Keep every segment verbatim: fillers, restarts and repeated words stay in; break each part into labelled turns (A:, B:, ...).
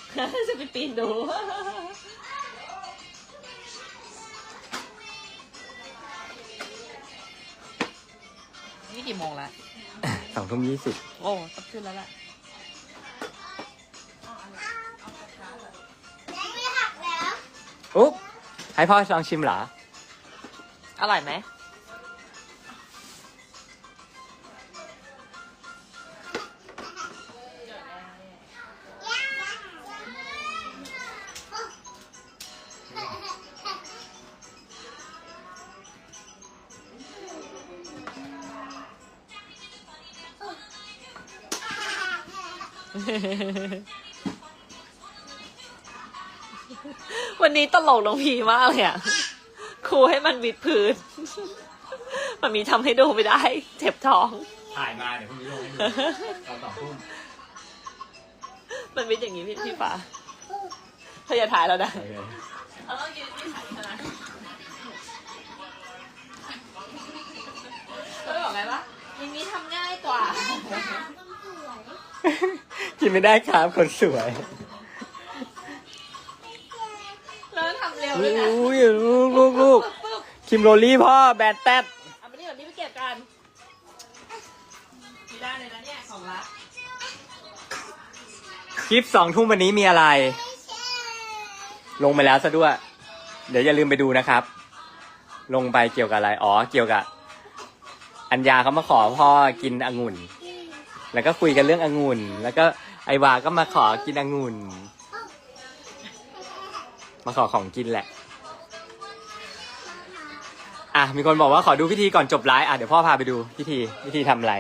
A: จะไปปีนดูนี่กี่โมงแล้ว
B: สองทุ่มยี่สิบ
A: โอ้ต้องขึ้นแล้วแหละ
B: อุ๊บให้พ่อลองชิมเหรอ
A: อร่อยไหมวันนี้ตลกน้องพีมากเลยอ่ะครูให้มันวิดพื้นมันมีทำให้ดูไม่ได้เจ็บท้อง
B: ถ่ายมาเดี๋ยวพรุ่งนี้ลงให้ดูตอนสองทุ่ม
A: มันวิดอย่างนี้พี่พี่ฟ้าเธออย่าถ่ายเราได้เอาต้องยืนที่ถ่ายนะก็ได้บอกไงวะอย่างนี้ทำง่ายกว่า
B: กินไม่ได้ครับคนสวย
A: แล้วทำเร็วด้วยนะ
B: อุ้ยลูกลูกลูกคิมโรลี่พ่อแบนแต๊ด
A: เอาไปนี่ก่อนนี่ไปเก็บกันไม่ได้เลยนะเนี่ยของรัก
B: คลิปสองทุ่มวันนี้มีอะไรลงไปแล้วซะด้วยเดี๋ยวอย่าลืมไปดูนะครับลงไปเกี่ยวกับอะไรอ๋อเกี่ยวกับอัญญาเขามาขอพ่อกินองุ่นแล้วก็คุยกันเรื่ององุ่นแล้วก็ไอวาก็มาขอกินองุ่นมาขอของกินแหละอ่ะมีคนบอกว่าขอดูพิธีก่อนจบไลฟ์อ่ะเดี๋ยวพ่อพาไปดูพิธีพิธีทำอะไร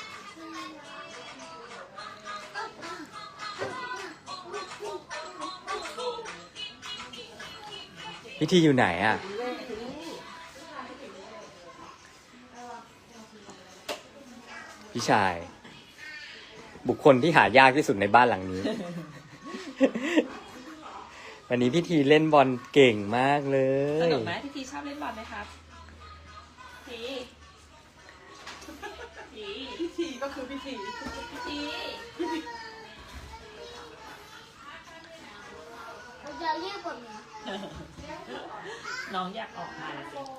B: พิธีอยู่ไหนอ่ะพี่ชายบุคคลที่หายากที่สุดในบ้านหลังนี้ วันนี้พี่ทีเล่นบอลเก่งมากเลย
A: สนุกไหมพี่ทีชอบเล่นบอลไหมครับทีทีพี่ทีก็คือพี่ทีพี่ที
C: เราจะเรียกก่อนนะ
A: น้องอยากออกมาเลย